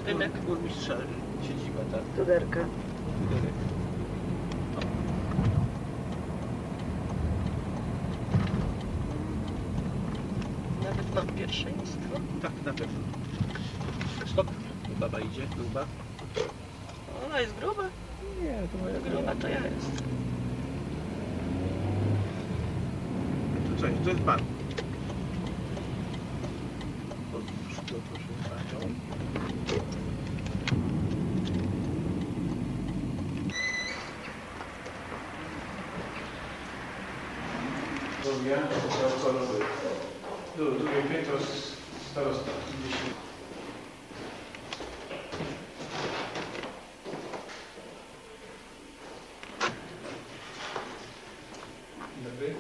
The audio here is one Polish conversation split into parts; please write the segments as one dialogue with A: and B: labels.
A: budynek burmistrza, siedziba, tak?
B: Tuderka.
A: Budynek. Nawet mam pierwszeństwo. Tak, na pewno. Stop. Baba idzie, gruba. Ona jest gruba?
B: Nie, to moja
A: Gruba to ja jest. To co jest? To jest pan. Proszę panią.
C: Drugie piętro starosta. Dobry.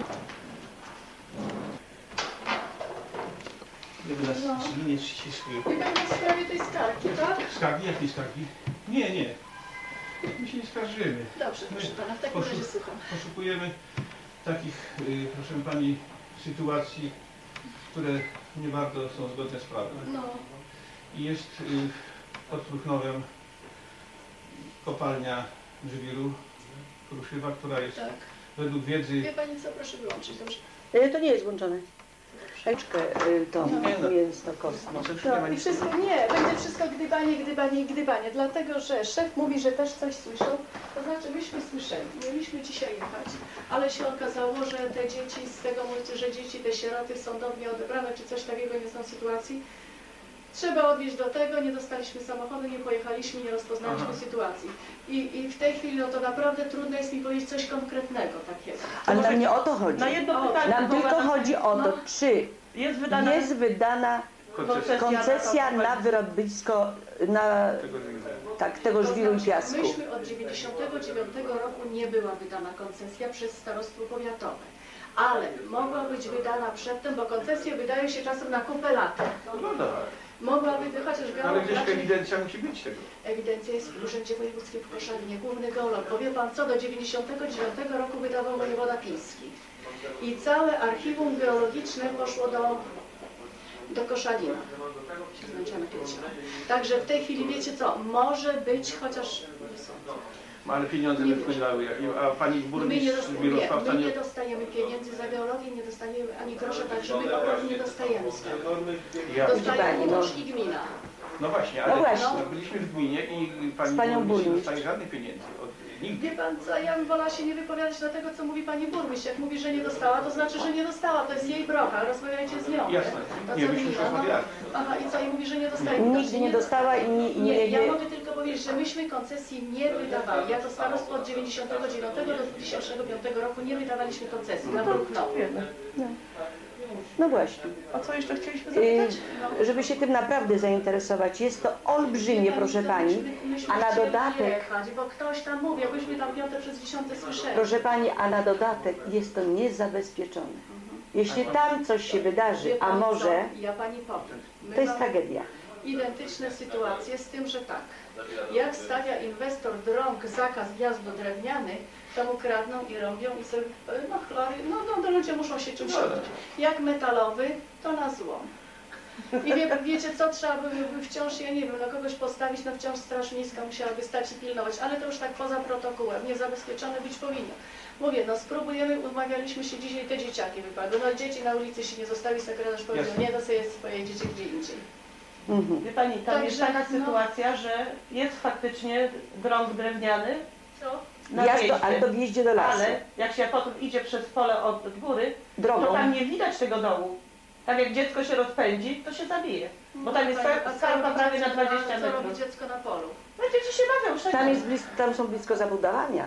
A: Gdyby nas nie ścisły.
D: I będzie w sprawie tej skargi, tak?
C: Skargi? Jakiej skargi? Nie, nie. My się nie skarżymy.
D: Dobrze, proszę pana, w takim razie słucham.
C: Poszukujemy takich, proszę pani, sytuacji, które nie bardzo są zgodne z prawem.
D: No,
C: I jest pod Pruchnowem kopalnia żwiru Kruszywa, która jest
D: tak.
C: według wiedzy...
D: Wie pani co, proszę wyłączyć, dobrze?
B: To nie jest włączone. Eczkę to mięso kostno.
D: No i wszystko, nie, będzie wszystko gdybanie, gdybanie i gdybanie, dlatego że szef mówi, że też coś słyszał, to znaczy myśmy słyszeli, mieliśmy dzisiaj jechać, ale się okazało, że te dzieci, z tego mówicie, że dzieci, te sieroty sądownie odebrane, czy coś takiego nie są sytuacji, trzeba odwieźć do tego, nie dostaliśmy samochodu, nie pojechaliśmy, nie rozpoznaliśmy sytuacji. I w tej chwili no to naprawdę trudno jest mi powiedzieć coś konkretnego takiego.
B: Ale nam nie o to chodzi.
E: Na jedno pytanie.
B: Nam tylko chodzi o to, czy
E: jest wydana
B: koncesja na wyrobisko, na tego żwiru i piasku.
D: Myśmy od 1999 roku nie była wydana koncesja przez starostwo powiatowe. Ale mogła być wydana przedtem, bo koncesje wydaje się czasem na kupę lat.
C: No tak.
D: Mogłaby, chociaż
C: Ale gdzieś
D: geolog...
C: ewidencja musi być tego.
D: Ewidencja jest w Urzędzie Wojewódzkim w Koszalinie, główny geolog. Powie pan co, do 1999 roku wydawał wojewoda Piński. I całe archiwum geologiczne poszło do Koszalina. Także w tej chwili wiecie co, może być, chociaż nie sądzę.
C: Ale pieniądze nie wpłynęły, a pani burmistrz Mirosławca
D: my nie dostajemy pieniędzy za geologię, nie dostajemy ani grosza, także my po prostu nie dostajemy z tego. Dostaje Urząd i gmina.
C: No właśnie, ale byliśmy w gminie i pani burmistrz nie dostaje żadnych pieniędzy. Nigdy.
D: Wie pan co, ja bym wolała się nie wypowiadać na tego, co mówi pani burmistrz. Jak mówi, że nie dostała, to znaczy, że nie dostała. To jest jej brocha, rozmawiajcie z nią.
C: Jasne, nie, myśmy już rozmawiali.
D: Aha, i co, i mówi, że nie dostaje.
B: Nigdy nie dostała i
D: nie. Ja mogę tylko powiedzieć, że myśmy koncesji nie wydawali. Jako starostwo od 1999 do 2005 roku nie wydawaliśmy koncesji na Pruchnowie.
B: No właśnie.
E: O co jeszcze chcieliśmy zapytać?
B: Żeby się tym naprawdę zainteresować, jest to olbrzymie, proszę pani, a na dodatek,
D: jechać, bo ktoś tam mówi, jakbyśmy tam 5. przez 10. słyszeli.
B: proszę pani, a na dodatek jest to niezabezpieczone. Jeśli tam coś się wydarzy, a może,
D: ja pani powiem.
B: to jest tragedia.
D: Identyczne sytuacje z tym, że tak, jak stawia inwestor drąg zakaz wjazdu drewnianych, to mu kradną i robią i sobie, no chlory, no ludzie muszą się czymś robić. Jak metalowy, to na złom. I wiecie co, trzeba by wciąż, ja nie wiem, na kogoś postawić, no wciąż Straż Miejska musiałaby stać i pilnować, ale to już tak poza protokołem, niezabezpieczone być powinno. Mówię, no spróbujemy, umawialiśmy się dzisiaj, te dzieciaki wypadły, no dzieci na ulicy się nie zostawi, sekretarz powiedział, nie, to sobie swoje dzieci gdzie indziej.
E: Wie pani, tam
D: Także,
E: jest taka sytuacja, że jest faktycznie drąg drewniany.
D: Co?
B: Ale to wjeździe do lasu.
E: Ale jak się potem idzie przez pole od góry,
B: Drogą.
E: to tam nie widać tego dołu. Tak jak dziecko się rozpędzi, to się zabije. Bo tam jest skarpa prawie na 20 metrów.
D: Co robi dziecko na polu?
E: No dzieci się bawią wszędzie.
B: Tam są blisko zabudowania.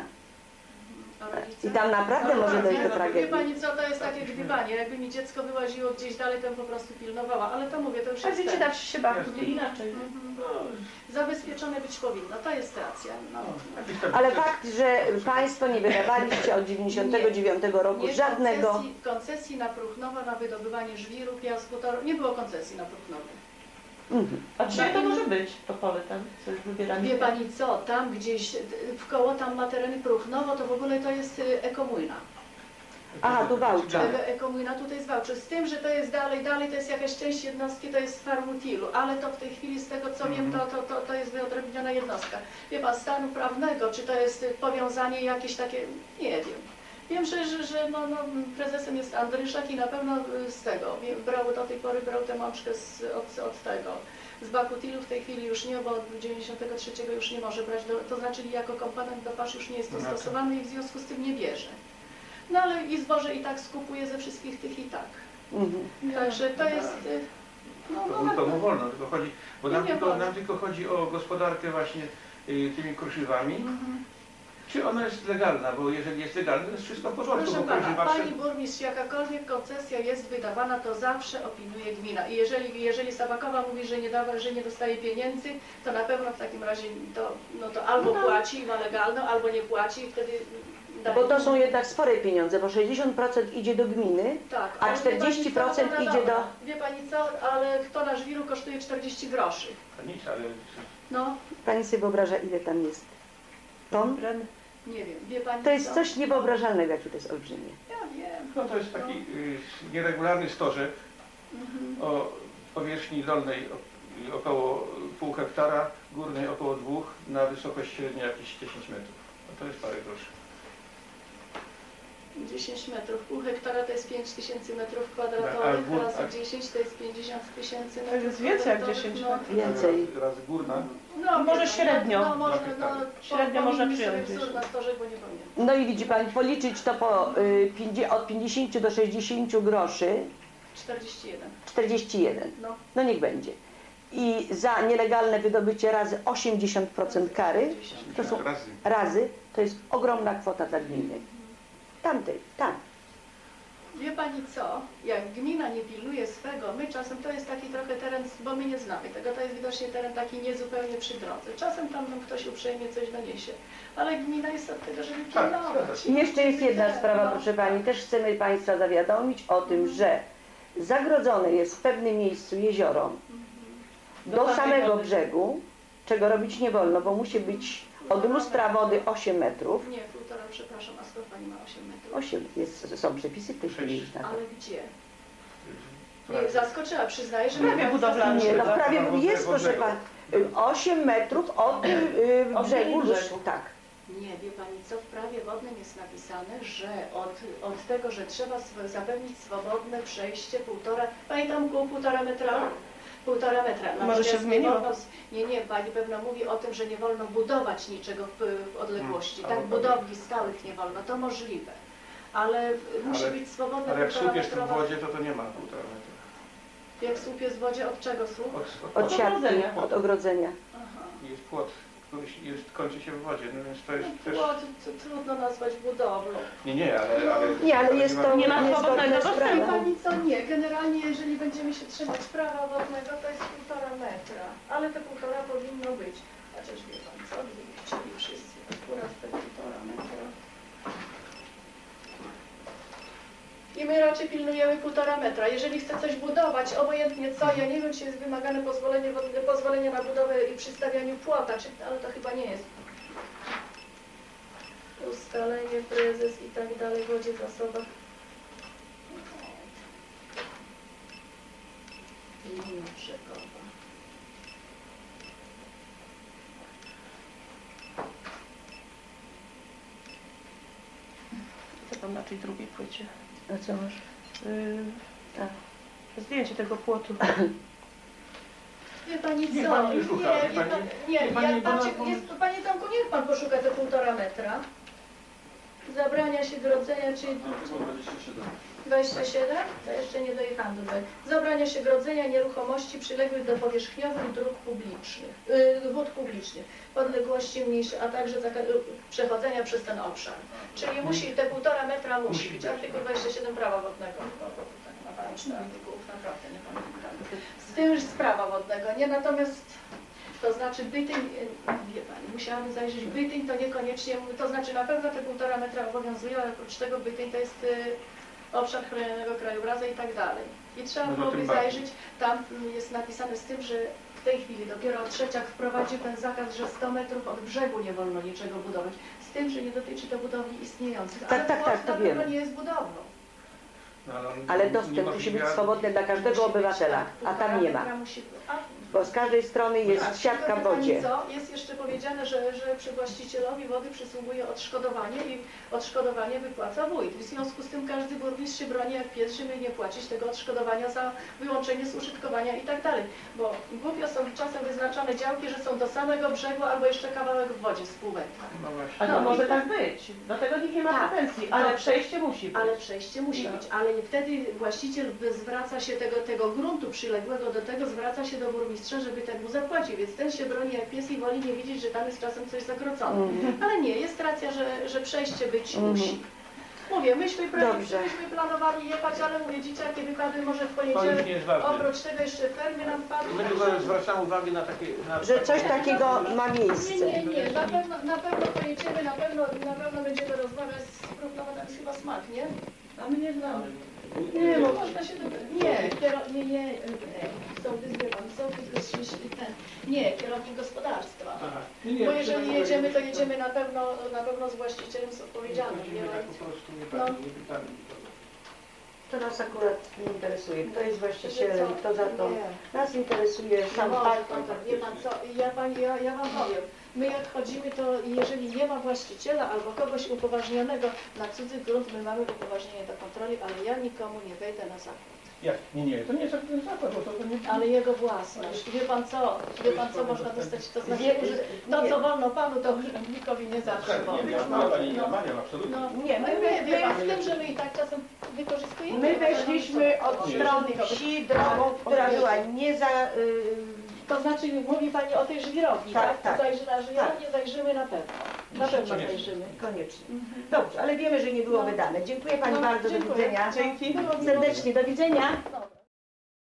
B: I tam naprawdę może dojść do
D: Wie
B: tragedii.
D: pani co, to jest takie gdybanie, jakby mi dziecko wyłaziło gdzieś dalej, to bym po prostu pilnowała, ale to mówię, to już
E: A
D: jest
E: dzieci tak się bawią inaczej.
D: zabezpieczone być powinno, to jest racja. No.
B: Ale fakt, że państwo nie wydawaliście od 99 roku
D: Nie,
B: żadnego...
D: koncesji na Pruchnowa, na wydobywanie żwiru, piasku, to nie było koncesji na Pruchnowie.
E: A czyje to może być, to pole tam, co jest wybierane?
D: Wie pani co, tam gdzieś w koło tam ma tereny Pruchnowo, to w ogóle to jest ekomujna.
B: Aha, tu Wałcza.
D: Komuna tutaj jest Wałczy. Z tym, że to jest dalej to jest jakaś część jednostki, to jest Farmutilu, ale to w tej chwili z tego co wiem, to jest wyodrębniona jednostka. Wie pan, stanu prawnego, czy to jest powiązanie jakieś takie, nie wiem. Wiem, że prezesem jest Andryszak i na pewno z tego, do tej pory brał tę mączkę od tego. Z Bakutilu w tej chwili już nie, bo od 93 już nie może brać, to znaczy jako komponent do pasz już nie jest to stosowany i w związku z tym nie bierze. No ale i zboże i tak skupuje ze wszystkich tych i tak. Także to jest...
C: To mu wolno, tylko chodzi, bo nam tylko chodzi o gospodarkę właśnie tymi kruszywami. Czy ona jest legalna, bo jeżeli jest legalna, to jest wszystko w porządku.
D: Proszę pana, pani burmistrz, jakakolwiek koncesja jest wydawana, to zawsze opiniuje gmina. I jeżeli Sabakowa mówi, że nie dostaje pieniędzy, to na pewno w takim razie to albo płaci, ma legalną, albo nie płaci i wtedy...
B: Bo to są jednak spore pieniądze, bo 60% idzie do gminy,
D: tak,
B: a 40% idzie do...
D: Wie pani co, ale kto żwiru kosztuje 40 groszy.
C: Nic, ale...
D: No.
B: Pani sobie wyobraża, ile tam jest ton?
D: Nie wiem, wie pani
B: To jest
D: co?
B: coś niewyobrażalnego, jakie to jest olbrzymie.
D: Ja wiem.
C: No to jest taki nieregularny stożek o powierzchni dolnej około pół hektara, górnej około 2, na wysokość średnia jakieś 10 metrów. No to jest parę groszy.
D: 10 metrów, pół hektara to jest 5000 metrów kwadratowych, razy 10 to jest 50 000 metrów.
E: To jest więcej jak 10 metrów.
B: Więcej.
C: Razy górna.
D: No,
E: Może średnio.
D: Średnio
E: można przyjąć.
D: Na storze, bo nie pamiętam.
B: No i widzi pani, policzyć to od 50 do 60 groszy,
D: 41.
B: 41. No niech będzie. I za nielegalne wydobycie razy 80% kary, to są razy, to jest ogromna kwota dla gminy. Tam.
D: Wie pani co, jak gmina nie pilnuje swego, my czasem, to jest taki trochę teren, bo my nie znamy tego, to jest widocznie teren taki niezupełnie przy drodze. Czasem tam nam ktoś uprzejmie coś doniesie, ale gmina jest od tego, żeby pilnować.
B: I jeszcze jest jedna sprawa, proszę pani, też chcemy państwa zawiadomić o tym, że zagrodzone jest w pewnym miejscu jezioro do samego brzegu, czego robić nie wolno, bo musi być od lustra wody 8 metrów.
D: Nie, 1,5, przepraszam, a skąd pani ma 8 metrów?
B: Są przepisy w tej chwili już na to.
D: Ale gdzie? Nie, zaskoczyła, przyznaję, że...
E: Prawie budowlane.
B: Nie, no w prawie jest, proszę pani, 8 metrów od brzegu. Tak.
D: Nie, wie pani co, w prawie wodnym jest napisane, że od tego, że trzeba zapewnić swobodne przejście 1,5, pani tam było 1,5 metra? 1,5 metra.
E: Może się zmieniło?
D: Nie, pani pewno mówi o tym, że nie wolno budować niczego w odległości. Tak, budowli stałych nie wolno, to możliwe. Ale musi być swobodne 1,5 metra.
C: Ale jak słup jest w wodzie, to nie ma 1,5 metra.
D: Jak słup jest w wodzie, od czego słup?
B: Od siatki, od ogrodzenia.
D: Aha.
C: Jest płot, który kończy się w wodzie, no więc to jest też...
D: Płot trudno nazwać budowlą.
C: Nie, ale...
B: Nie, ale jest to
E: nie ma swobodnego
B: sprawa.
D: Wie pani co, nie. Generalnie jeżeli będziemy się trzymać prawa wodnego, to jest 1,5 metra. Ale te 1,5 powinno być. Chociaż wie pan co, gdyby chcieli wszyscy akurat te 1,5 metra. I my raczej pilnujemy 1,5 metra. Jeżeli chce coś budować, obojętnie co, ja nie wiem, czy jest wymagane pozwolenie na budowę i przystawianiu płota, ale to chyba nie jest. Ustalenie, prezes i tak dalej, wodzie, zasobach. Linia brzegowa.
E: Co tam na tej drugiej płycie?
B: A co masz?
E: Zdjęcie tego płotu.
D: Wie pani co?
C: Niech pani nie szuka,
D: Panie Tomku, niech pan poszuka te 1,5 metra. Zabrania się grodzenia, czyli... 27? To jeszcze nie dojechałam do 20. Zabrania się grodzenia nieruchomości przyległych do powierzchniowych dróg publicznych, wód publicznych, podległości mniejsze, a także przechodzenia przez ten obszar. Czyli musi, te 1,5 metra musi być. Artykuł 27 prawa wodnego. Tak ma pani 4 artykułów, naprawdę nie pamiętam. Z tym już z prawa wodnego, nie? Natomiast to znaczy Bytyń, wie pani, musiałabym zajrzeć, Bytyń to niekoniecznie, to znaczy na pewno te 1,5 metra obowiązują, ale oprócz tego Bytyń to jest obszar chronionego krajobrazu i tak dalej. I trzeba byłoby zajrzeć, tam jest napisane z tym, że w tej chwili dopiero Trzeciak wprowadził ten zakaz, że 100 metrów od brzegu nie wolno niczego budować. Z tym, że nie dotyczy to budowli istniejących.
B: Tak,
D: ale
B: to
D: na pewno
B: wiem.
D: nie jest budowlą.
C: No, ale on
B: Ale dostęp musi być swobodny dla każdego obywatela, a tam nie ma. Bo z każdej strony jest siatka w wodzie.
D: Co? Jest jeszcze powiedziane, że przy właścicielowi wody przysługuje odszkodowanie i odszkodowanie wypłaca wójt. W związku z tym każdy burmistrz się broni jak pies, żeby nie płacić tego odszkodowania za wyłączenie z użytkowania i tak dalej. Bo głupio są czasem wyznaczone działki, że są do samego brzegu albo jeszcze kawałek w wodzie z pół metra.
C: No właśnie.
E: A to
D: No,
E: może
D: i-
E: tak być. Do tego nikt nie ma
D: Tak.
E: pretensji, ale
D: Dobrze.
E: przejście musi być.
D: Ale przejście musi być, ale wtedy właściciel zwraca się tego gruntu przyległego do tego, zwraca się do burmistrza, żeby ten mu zapłacił, więc ten się broni jak pies i woli nie widzieć, że tam jest czasem coś zagrodzone. Ale nie, jest racja, że przejście być musi. Mówię, myśmy planowali jechać, ale mówię, dzieciaki wypadły może w
C: To już
D: poniedziałek.
C: nie jest ważne.
D: Oprócz tego jeszcze fermy nam padły.
C: My tylko zwracamy uwagę na takie...
B: Że coś takiego ma miejsce.
D: Nie, na pewno pojedziemy, na pewno będziemy rozmawiać z Krupnowatem, jest chyba smak, nie? A my nie znamy. Nie, bo można się nie, nie, kierownik gospodarstwa.
C: Aha.
D: Bo jeżeli jedziemy, to jedziemy na pewno z właścicielem, z odpowiedzialnym.
C: Nie, tak po prostu nie
D: No.
C: pytamy.
B: To nas akurat nie interesuje. Kto jest właścicielem,
D: Co?
B: kto za to.
D: Nie.
B: Nas interesuje sam fakt.
D: Wie pan co, ja wam powiem, my jak chodzimy, to jeżeli nie ma właściciela albo kogoś upoważnionego na cudzy grunt, my mamy upoważnienie do kontroli, ale ja nikomu nie wejdę na zakład.
C: Jak? Nie, to nie jest ten zakład, bo to nie...
D: Ale jego własność. Wie pan co można dostać? To znaczy, że to co wolno panu, to urzędnikowi nie zawsze
C: Tak,
D: wolno.
C: nie, ja pani nie maniam, absolutnie.
D: No,
B: Nie,
D: wie pan, w tym, że my i tak czasem wykorzystujemy.
B: My weszliśmy od strony wsi drogą, która była nie za...
D: To znaczy, mówi pani o tej żwirowni,
B: Tak,
D: tak?
B: tak.
D: To zajrzy na żwirownię, zajrzymy na pewno. Na pewno
C: Koniecznie.
D: zajrzymy.
B: Koniecznie. Dobrze, ale wiemy, że nie było
D: No.
B: wydane. Dziękuję Pani
D: No,
B: bardzo, do
D: dziękuję.
B: widzenia.
E: Dzięki.
B: Serdecznie, do widzenia.
D: No.